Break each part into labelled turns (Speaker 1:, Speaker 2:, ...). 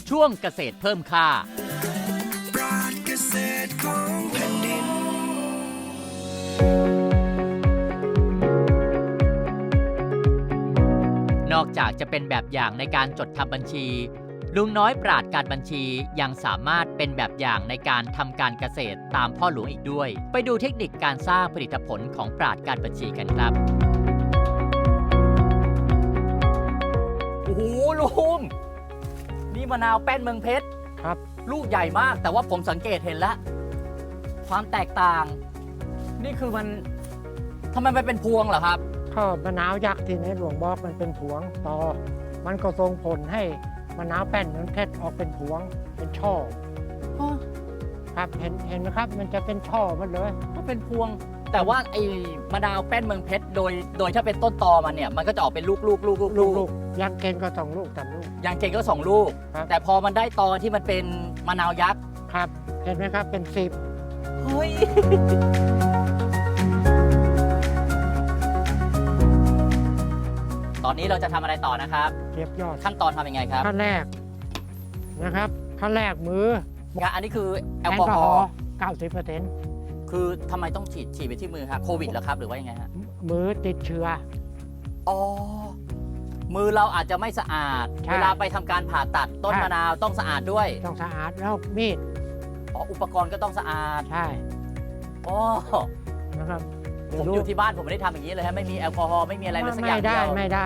Speaker 1: ช่วงเกษตรเพิ่มค่า
Speaker 2: ปราชญ์เกษตรของแผ่นดิน
Speaker 1: นอกจากจะเป็นแบบอย่างในการจดทำบัญชีลุงน้อยปราชญ์การบัญชียังสามารถเป็นแบบอย่างในการทำการเกษตรตามพ่อหลวงอีกด้วยไปดูเทคนิคการสร้างผลิตผลของปราชญ์การบัญชีกันครับโอ้โหลุงนี่มะนาวแป้นเมืองเพชร
Speaker 3: ครับ
Speaker 1: ลูกใหญ่มากแต่ว่าผมสังเกตเห็นแล้วความแตกต่าง นี่คือมันทำไมมันเป็นพวงเหรอครับ
Speaker 3: ก็มะนาวยักษ์ที่ในหลวงบอกมันเป็นผวงต่อมันก็ส่งผลให้มะนาวแป้นเมืองเพชรออกเป็นผวงเป็นช่อครับเห็นไหมครับมันจะเป็นช่อมันเลย
Speaker 1: ก็เป็นพวงแต่ว่าไอ้มะนาวแป้นเมืองเพชรโดยถ้าเป็นต้นตอมันเนี่ยมันก็จะออกเป็นลูก
Speaker 3: ยางเกณฑ์ก็2 ลูก3 ลูก
Speaker 1: ยางเกณฑ์ก็2 ลูกแต่พอมันได้ตอที่มันเป็นมะนาวยักษ์
Speaker 3: ครับเห็นไหมครับเป็น10
Speaker 1: เฮ้ยตอนนี้เราจะทำอะไรต่อนะครับ
Speaker 3: เก็บยอด
Speaker 1: ขั้นตอนทำยังไงครับ
Speaker 3: ขั้นแรกนะครับขั้นแรกมือ
Speaker 1: อันนี้คือแอลกอฮอล์
Speaker 3: 90%
Speaker 1: คือทำไมต้องฉีดไปที่มือครับโควิดเหรอครับหรือว่ายังไงฮะ
Speaker 3: มือติดเชื้อ
Speaker 1: อ๋อมือเราอาจจะไม่สะอาดเวลาไปทำการผ่าตัดต้นมะนาวต้องสะอาดด้วย
Speaker 3: ต้องสะอาดแล้วมีด
Speaker 1: อุปกรณ์ก็ต้องสะอาด
Speaker 3: ใช่
Speaker 1: อ๋อ
Speaker 3: นะครับ
Speaker 1: ผมอยู่ที่บ้านผมไม่ได้ทำอย่างนี้เลยฮะไม่มีแอลกอฮอล์ไม่มีอะไรเลยสักอย่างเดียว
Speaker 3: ไม่ได้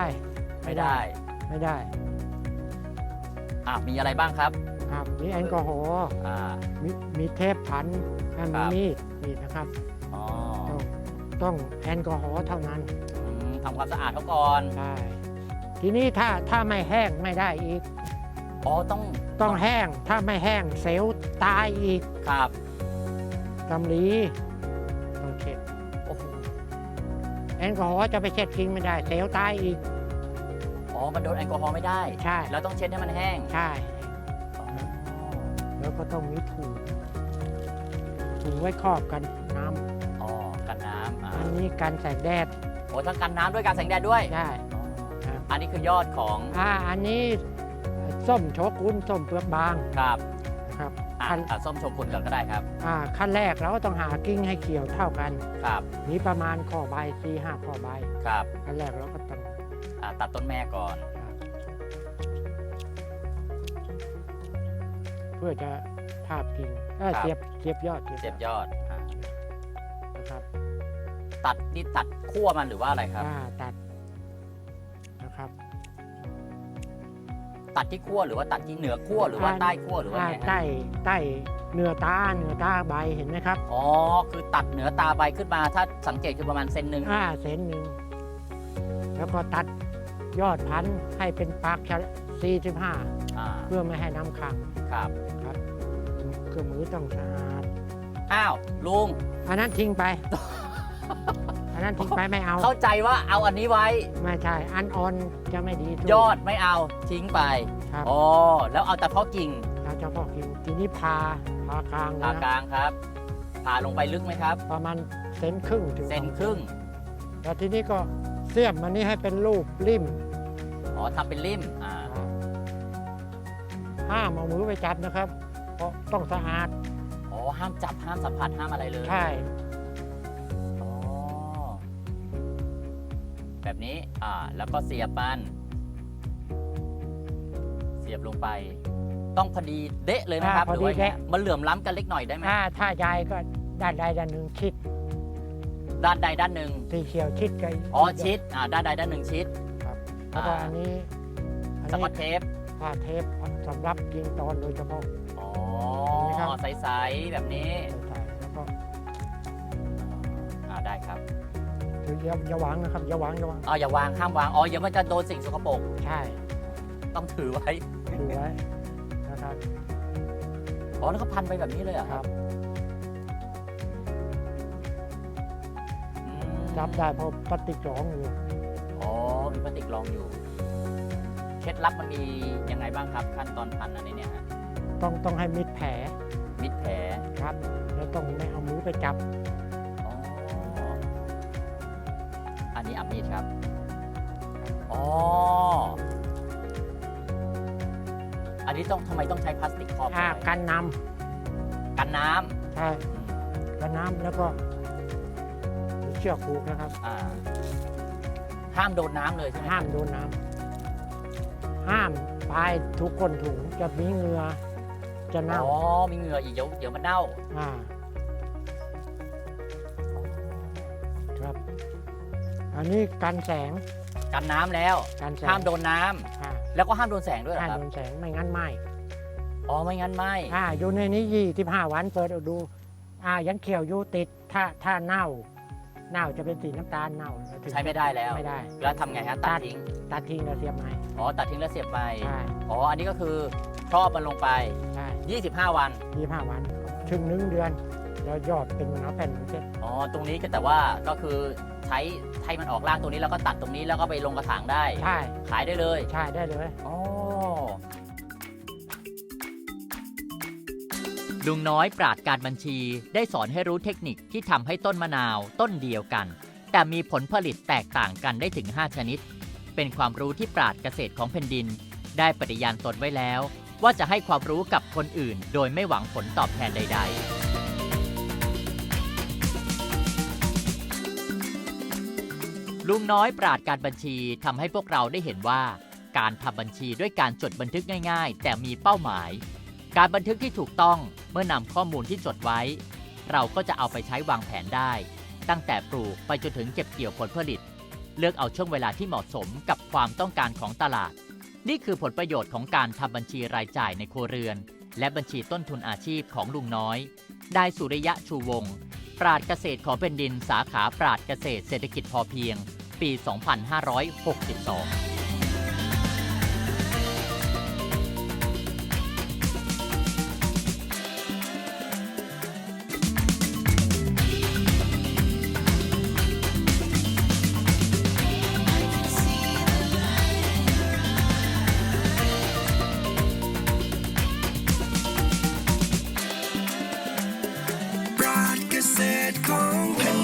Speaker 1: มีอะไรบ้างครับ
Speaker 3: มีแอลกอฮอล์มีเทปพันมีมีดนะครับต้องแอลกอฮอล์เท่านั้น
Speaker 1: ทำความสะอาดเขาก่อน
Speaker 3: ใช่ทีนี้ถ้าไม่แห้งไม่ได้อีก
Speaker 1: ต้อง
Speaker 3: แห้งถ้าไม่แห้งเซลล์ตายอีก
Speaker 1: ครับ
Speaker 3: กำลีต้องเช็ดแอลกอฮอล์จะไปเช็ดทิ้งไม่ได้เซลล์ตายอีก
Speaker 1: มันโดนแอลกอฮอล์ไม่ได้
Speaker 3: ใช่
Speaker 1: เราต้องเช็ดให้มันแห้ง
Speaker 3: ใช่แล้วก็ต้องมีถุงไว้ครอบกันน้
Speaker 1: ำกันน้ำ
Speaker 3: อันนี้กันแสงแดด
Speaker 1: ทั้งกันน้ำด้วยกันแสงแดดด้วย
Speaker 3: ใช่
Speaker 1: อันนี้คือยอดของ
Speaker 3: อันนี้ส้มโชกุนส้มเปลือกบาง
Speaker 1: ครับ
Speaker 3: ส้
Speaker 1: มโชกุนก่อนก็ได้ครับ
Speaker 3: ขั้นแรกเราก็ต้องหากิ้งให้เขียวเท่ากัน
Speaker 1: ครับ
Speaker 3: นี้ประมาณข้อใบ4-5 ข้อใบ
Speaker 1: ครับ
Speaker 3: ขั้นแรกเราก็ต้อง
Speaker 1: ตัดต้นแม่ก่อน
Speaker 3: เพื่อจะทาบกิ่งเสียบยอด
Speaker 1: นะครับตัดขั้วมันหรือว่าอะไรครับ
Speaker 3: ตัดนะครับ
Speaker 1: ตัดที่ขั้วหรือว่าตัดที่เหนือขั้วหรือว่าใต้ขั้วหรือว่าไง
Speaker 3: ใต้เนื้อตาใบเห็นไหมครับ
Speaker 1: คือตัดเหนือตาใบขึ้นมาถ้าสังเกตคือประมาณ1 เซน
Speaker 3: เซนแล้วก็ตัดยอดพันธุ์ให้เป็นปาก45เพื่อไม่ให้น้ำขัง
Speaker 1: ครับ
Speaker 3: เครื่องมือต้องสะอาด
Speaker 1: ลุง
Speaker 3: อันนั้นทิ้งไปไม่เอา
Speaker 1: เข้าใจว่าเอาอันนี้ไว้
Speaker 3: ไม่ใช่อันอ่อนจะไม่ดี
Speaker 1: ยอดไม่เอาทิ้งไปแล้วเอาแต่เพาะกิ่ง
Speaker 3: ทีนี้ผ่ากลาง
Speaker 1: ครับผ่าลงไปลึกไหมครับ
Speaker 3: ประมาณ1.5 เซนถึง
Speaker 1: 1 เซน
Speaker 3: แล้วทีนี้ก็เสียบมันนี่ให้เป็นรูปริม
Speaker 1: ทำเป็นริม
Speaker 3: ห้ามเอามือไปจับนะครับเพราะต้องสะอาด
Speaker 1: ห้ามจับห้ามสัมผัสห้ามอะไรเลย
Speaker 3: ใช่
Speaker 1: แบบนี้แล้วก็เสียบมันเสียบลงไปต้องพอดีเดะเลยนะครับหรือว่ามันเหลื่อมล้ำกันเล็กหน่อยได้ไหม
Speaker 3: ถ้าใหญ่ก็ด้านใดด้านหนึ่งชิด
Speaker 1: ด้านใดด้านหนึ่ง
Speaker 3: สีเขียวชิดกัน
Speaker 1: ชิดด้านใดด้านหนึ่งชิด
Speaker 3: ครับแล้วก็อันนี้
Speaker 1: สกอตเทป
Speaker 3: เทปสำหรับยิงตอนโดยเฉพาะ
Speaker 1: ใสๆแบบนี้
Speaker 3: แล้วก็
Speaker 1: ได้ครับ
Speaker 3: อย่าวางนะครับอย่าวาง
Speaker 1: อย่าวางห้ามวางอย่ามันจะโดนสิ่งสกปรก
Speaker 3: ใช่
Speaker 1: ต้องถือไว้
Speaker 3: นะครับ
Speaker 1: แล้วก็พันไปแบบนี้เลย
Speaker 3: ครับจับได้เพราะพลาสติกรองอยู่
Speaker 1: มีพลาสติกรองอยู่เคล็ดลับมันมียังไงบ้างครับขั้นตอนพันอันนี้เนี่ย
Speaker 3: ต้องให้มิดแผลครับแล้วต้องไม่เอามือไปจับ
Speaker 1: อันนี้มีดครับอันนี้ต้องทำไมต้องใช้พลาสติกครอบไว้
Speaker 3: กันน้
Speaker 1: กันน้
Speaker 3: ำใช่กันน้ำแล้วก็มีเชือกผูกนะครับ
Speaker 1: ำห้ามโดนน้ำเลยใช่ไหม
Speaker 3: ห้ามโดนน้ำห้ามปลายทุกคนถุงจะมีเหงื่อจะเน่า
Speaker 1: อ๋อมีเหงื่ออีกเดี๋ยวมันเน่า
Speaker 3: อ่าครับ อันนี้กันแสง
Speaker 1: กันน้ำแล้ว
Speaker 3: กันแสง
Speaker 1: ห้ามโดนน้ำ
Speaker 3: อ่า
Speaker 1: แล้วก็ห้ามโดนแสงด้วยเหร
Speaker 3: ห้า
Speaker 1: อ
Speaker 3: ม
Speaker 1: ครับ
Speaker 3: โดนแสงไม่งั้นไหม้
Speaker 1: อ๋อไม่งั้นไม่
Speaker 3: อยู่ในนี้25 วันเปิดเอาดูยังเขียวอยู่ติดถ้าเน่าจะเป็นสีน้ำตาลเน่าถึง
Speaker 1: ใช้ไม่ได้แล้ว
Speaker 3: ไม่ได้
Speaker 1: แล้วทำไงฮะตัดทิ้ง
Speaker 3: ตัดทิ้งแล้วเสียบไม้
Speaker 1: อ๋อตัดทิ้งแล้วเสียบไป
Speaker 3: ใช่
Speaker 1: อ๋ออันนี้ก็คือครอบมันลงไป
Speaker 3: ใช่
Speaker 1: 25 วัน
Speaker 3: 25 วันถึง1 เดือนแล้วยอดเป็นมะนาวแผ่นเสร็จ
Speaker 1: อ๋อตรงนี้ก็แต่ว่าก็คือใช้ให้มันออกรากตรงนี้แล้วก็ตัดตรงนี้แล้วก็ไปลงกระถางได้
Speaker 3: ใช่
Speaker 1: ขายได้เลย
Speaker 3: ใช่ได้เลย
Speaker 1: อ๋อ
Speaker 2: ลุงน้อยปราชญ์การบัญชีได้สอนให้รู้เทคนิคที่ทำให้ต้นมะนาวต้นเดียวกัน แต่มีผลผลิตแตกต่างกันได้ถึง 5 ชนิด เป็นความรู้ที่ปราชญ์เกษตรของแผ่นดิน ได้ปฏิญาณตนไว้แล้ว ว่าจะให้ความรู้กับคนอื่น โดยไม่หวังผลตอบแทนใด ๆ ลุงน้อยปราชญ์การบัญชีทำให้พวกเราได้เห็นว่า การทำบัญชีด้วยการจดบันทึกง่าย ๆ แต่มีเป้าหมาย การบันทึกที่ถูกต้องเมื่อนำข้อมูลที่จดไว้ เราก็จะเอาไปใช้วางแผนได้ ตั้งแต่ปลูกไปจนถึงเก็บเกี่ยวผลผลิต เลือกเอาช่วงเวลาที่เหมาะสมกับความต้องการของตลาด นี่คือผลประโยชน์ของการทำบัญชีรายจ่ายในครัวเรือน และบัญชีต้นทุนอาชีพของลุงน้อยนายสุริยะชูวงศ์ปราชญ์เกษตรของแผ่นดินสาขาปราชญ์เกษตรเศรษฐกิจพอเพียง ปี 2562
Speaker 4: ปราชญ์เกษตรของแผ่น